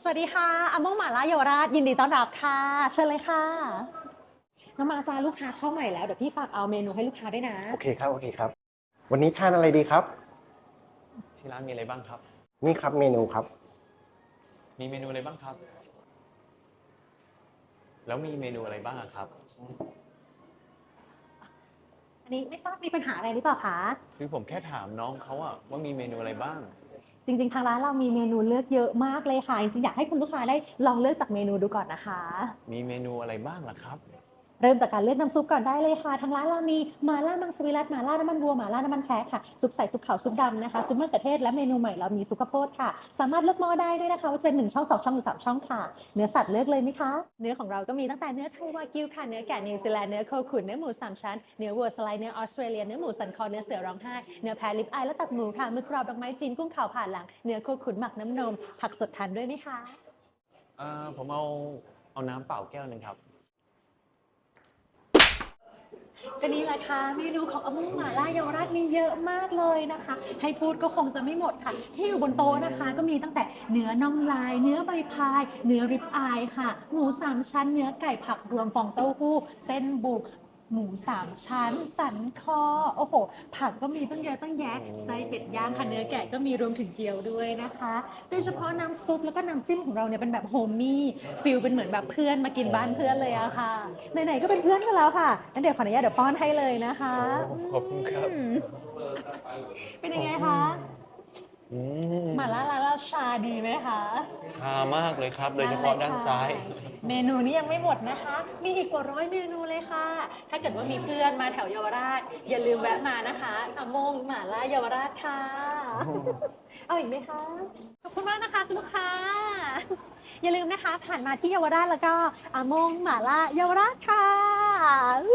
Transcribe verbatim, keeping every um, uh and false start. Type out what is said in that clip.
สวัสดีค่ะอาม่งหม่าล่าเยาวราชยินดีต้อนรับค่ะเชิญเลยค่ะน้องมาจ้าลูกค้าเข้าใหม่แล้วเดี๋ยวพี่ฝากเอาเมนูให้ลูกค้าด้วยนะโอเคครับโอเคครับวันนี้ทานอะไรดีครับที่ร้านมีอะไรบ้างครับนี่ครับเมนูครับมีเมนูอะไรบ้างครับ แล้วมีเมนูอะไรบ้างอะครับอันนี้ไม่ทราบมีปัญหาอะไรหรือเปล่าคะคือผมแค่ถามน้องเขาอะว่ามีเมนูอะไรบ้างจริงๆทางร้านเรามีเมนูเลือกเยอะมากเลยค่ะจริงๆอยากให้คุณลูกค้าได้ลองเลือกจากเมนูดูก่อนนะคะมีเมนูอะไรบ้างล่ะครับเริ่มจากการเลือกน้ำซุปก่อนได้เลยค่ะทางร้านเรามีหม่าล่ามังสวิรัติหม่าล่าน้ำมันวัวหม่าล่าน้ำมันแพะค่ะซุปใส่ซุปขาวซุปดำนะคะซุปมะเขือเทศและเมนูใหม่เรามีซุปข้าวโพดค่ะสามารถเลือกหม้อได้ด้วยนะคะว่าจะเป็นหนึ่งช่องสองช่องหรือสามช่องค่ะเนื้อสัตว์เลือกเลยไหมคะเนื้อของเราก็มีตั้งแต่เนื้อไทยวากิวค่ะเนื้อแกะนิวซีแลนด์เนื้อโคขุนเนื้อหมูสามชั้นเนื้อวัวสไลด์เนื้อออสเตรเลียเนื้อหมูสันคอเนื้อเสือร้องไห้เนื้อแพะลิปอายและตับหมูค่ะมือกรอบดอกไม้จีนกุ้งขาวผ่านหลังเนื้อโคขุนหมักน้ำนมผักสดทานด้วยไหมคะเอ่อผมเอาเอาน้ำเปล่าแก้วหนึ่งครับก็นี่แหละค่ะเมนูของอาม่งหม่าล่าเยาวราชมีเยอะมากเลยนะคะให้พูดก็คงจะไม่หมดค่ะที่อยู่บนโต๊ะนะคะก็มีตั้งแต่เนื้อน่องลาย เนื้อใบพาย เนื้อริบอายค่ะหมูสามชั้นเนื้อไก่ผักรวมฟองเต้าหู้เส้นบุกหมูสามชั้นสันคอโอ้โหผักก็มีตั้งเยอะตั้งแยะไส้เป็ดย่างค่ะเนื้อแกะก็มีรวมถึงเกี๊ยวด้วยนะคะโดยเฉพาะน้ำซุปแล้วก็น้ำจิ้มของเราเนี่ยเป็นแบบโฮมมี่ฟิลเป็นเหมือนแบบเพื่อนมากินบ้านเพื่อนเลยอะค่ะไหนๆก็เป็นเพื่อนกันแล้วค่ะงั้นเดี๋ยวขออนุญาตเดี๋ยวป้อนให้เลยนะคะขอบคุณครับอืมเป็นยังไงคะอืมหม่าล่าร้านเราชาดีไหมคะชามากเลยครับ โดยเฉพาะด้านซ้ายเมนูนี้ยังไม่หมดนะคะ มีอีกกว่าร้อยเมนูเลยค่ะ ถ้าเกิดว่ามีเพื่อนมาแถวเยาวราช อย่าลืมแวะมานะคะอโมงหม่าล่าเยาวราชค่ะ เอาอีกไหมคะ ขอบคุณมากนะคะคุณลูกค้า อย่าลืมนะคะ ผ่านมาที่เยาวราชแล้วก็อโมงหม่าล่าเยาวราชค่ะ